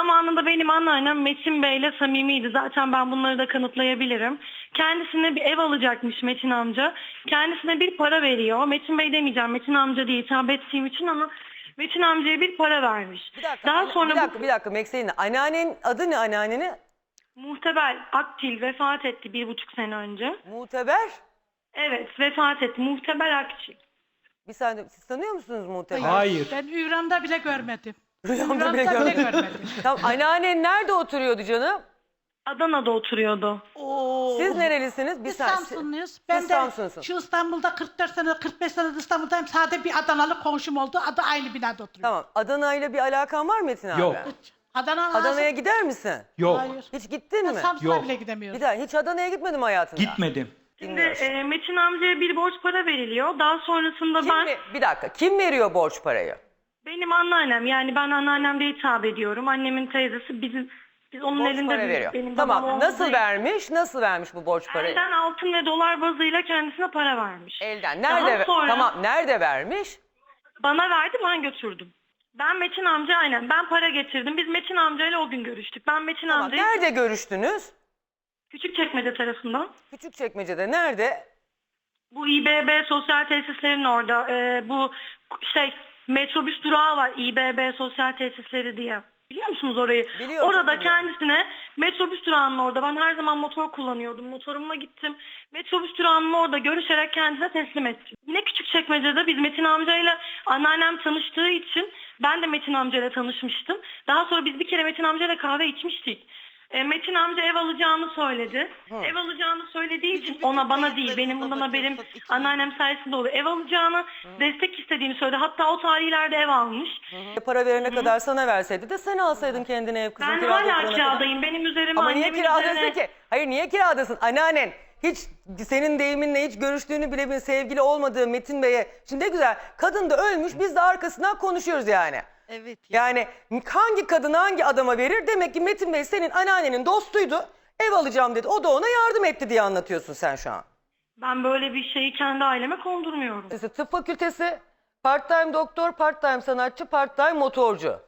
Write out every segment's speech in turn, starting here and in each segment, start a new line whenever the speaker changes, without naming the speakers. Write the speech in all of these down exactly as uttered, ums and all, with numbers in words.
zamanında benim anneannem Metin Bey'le samimiydi. Zaten ben bunları da kanıtlayabilirim. Kendisine bir ev alacakmış Metin amca. Kendisine bir para veriyor. Metin Bey demeyeceğim, Metin amca diye hitap ettiğim için ama Metin amcaya bir para vermiş.
Bir dakika,
Daha
anne-
sonra
bir dakika,
bu
bir dakika Mekselin. Anneannenin adı ne anneannenin?
Muhteber Aktil vefat etti bir buçuk sene önce.
Muteber.
Evet, vefat etti. Muhteber Aktil.
Bir saniye, siz tanıyor musunuz Muteber?
Hayır.
Ben İran'da bile görmedim.
Rüyamda bile
İran'da bile
görmedim.
görmedim.
Tamam, anneannen nerede oturuyordu canım?
Adana'da oturuyordu.
Oo.
Siz nerelisiniz? Bir
Biz
saniye.
Samsunluyuz. Ben de
Samsunlusun.
şu İstanbul'da kırk dört sene, kırk beş senedir İstanbul'dayım. Sadece bir Adanalı komşum oldu. Adı aynı binada oturuyor.
Tamam, Adana ile bir alakan var mı Metin abi?
Yok.
Adana
Adana'ya gider misin?
Yok.
Hayır.
Hiç gittin
Ben
mi?
Samsun'a
Yok.
bile gidemiyorum.
Bir daha hiç Adana'ya gitmedim hayatında.
Gitmedim.
Şimdi
Dinliyoruz.
e, Metin amcaya bir borç para veriliyor. Daha sonrasında
Kim
ben...
mi- bir dakika, kim veriyor borç parayı?
Benim anneannem, yani ben anneannem diye hitap ediyorum. Annemin teyzesi bizim biz onun
Borç
elinde
para
büyüdük.
veriyor.
Benim babam
Tamam,
olmadığı
nasıl
için
vermiş? Nasıl vermiş bu borç parayı?
Elden altın ve dolar bazıyla kendisine para vermiş.
Elden.
Daha
Nerede?
sonra
Tamam, nerede vermiş?
bana verdi, ben götürdüm. Ben Metin amca aynen ben para getirdim. Biz Metin amcayla o gün görüştük. Ben Metin
Tamam,
amcayı
nerede görüştünüz?
Küçükçekmece tarafından.
Küçükçekmece'de. Nerede?
Bu İBB sosyal tesislerin orada. e, bu şey metrobüs durağı var İBB sosyal tesisleri diye. Biliyor musunuz orayı?
Biliyorum,
Orada
çok biliyorum.
kendisine metrobüs durağının orada. Ben her zaman motor kullanıyordum. Motorumla gittim. Metrobüs durağının orada görüşerek kendisine teslim ettim. Yine Küçükçekmece'de biz Metin amcayla anneannem tanıştığı için ben de Metin amcayla tanışmıştım. Daha sonra biz bir kere Metin amcayla kahve içmiştik. E, Metin amca ev alacağını söyledi. Ev alacağını söylediği için ona bana değil benim bundan haberim anneannem sayesinde oluyor. Ev alacağını destek istediğini söyledi. Hatta o tarihlerde ev almış.
Para verene kadar sana verseydi de sen alsaydın kendine ev kızım.
Ben
kirada
hala
oturana kadar.
kiradayım. Benim üzerime
Ama niye
annemin
kiradasın
üzerine...
ki? Hayır, niye kiradasın? Anneannen hiç senin deyiminle hiç görüştüğünü bile bir sevgili olmadığı Metin Bey'e. Şimdi ne güzel, kadın da ölmüş, biz de arkasından konuşuyoruz yani.
Evet. Ya.
Yani hangi kadın hangi adama verir? Demek ki Metin Bey senin anneannenin dostuydu. Ev alacağım dedi. O da ona yardım etti diye anlatıyorsun sen şu an.
Ben böyle bir şeyi kendi aileme kondurmuyorum.
İşte tıp fakültesi, part-time doktor, part-time sanatçı, part-time motorcu.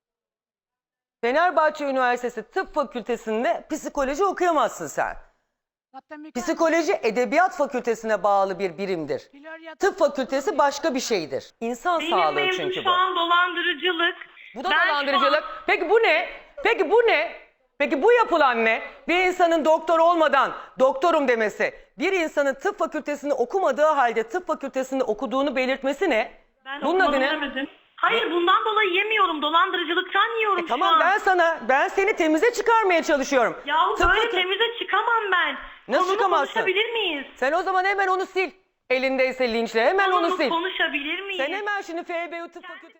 Fenerbahçe Üniversitesi Tıp Fakültesi'nde psikoloji okuyamazsın sen.
Zaten mükemmel.
Psikoloji Edebiyat Fakültesine bağlı bir birimdir.
Florya-
Tıp fakültesi başka bir şeydir. İnsan
Benim
sağlığı
mevzu
çünkü
şu
bu.
an dolandırıcılık.
Bu da
Ben şu
dolandırıcılık.
an-
Peki bu ne? Peki bu ne? Peki bu yapılan ne? Bir insanın doktor olmadan doktorum demesi, bir insanın tıp fakültesinde okumadığı halde tıp fakültesinde okuduğunu belirtmesi ne?
Ben
Bunun adı
okumadım
ne?
demedim. Hayır, bundan dolayı yemiyorum. Dolandırıcılıktan yiyorum
E tamam,
şu an.
ben sana, ben seni temize çıkarmaya çalışıyorum.
Yahu
Tıp
böyle
fakü-
temize çıkamam ben.
Nasıl
Konumu
çıkamazsın?
konuşabilir miyiz?
Sen o zaman hemen onu sil. Elindeyse linçle hemen onu
Konumu
sil.
konuşabilir miyiz?
Sen hemen şimdi F B U Tıp Fakültesi...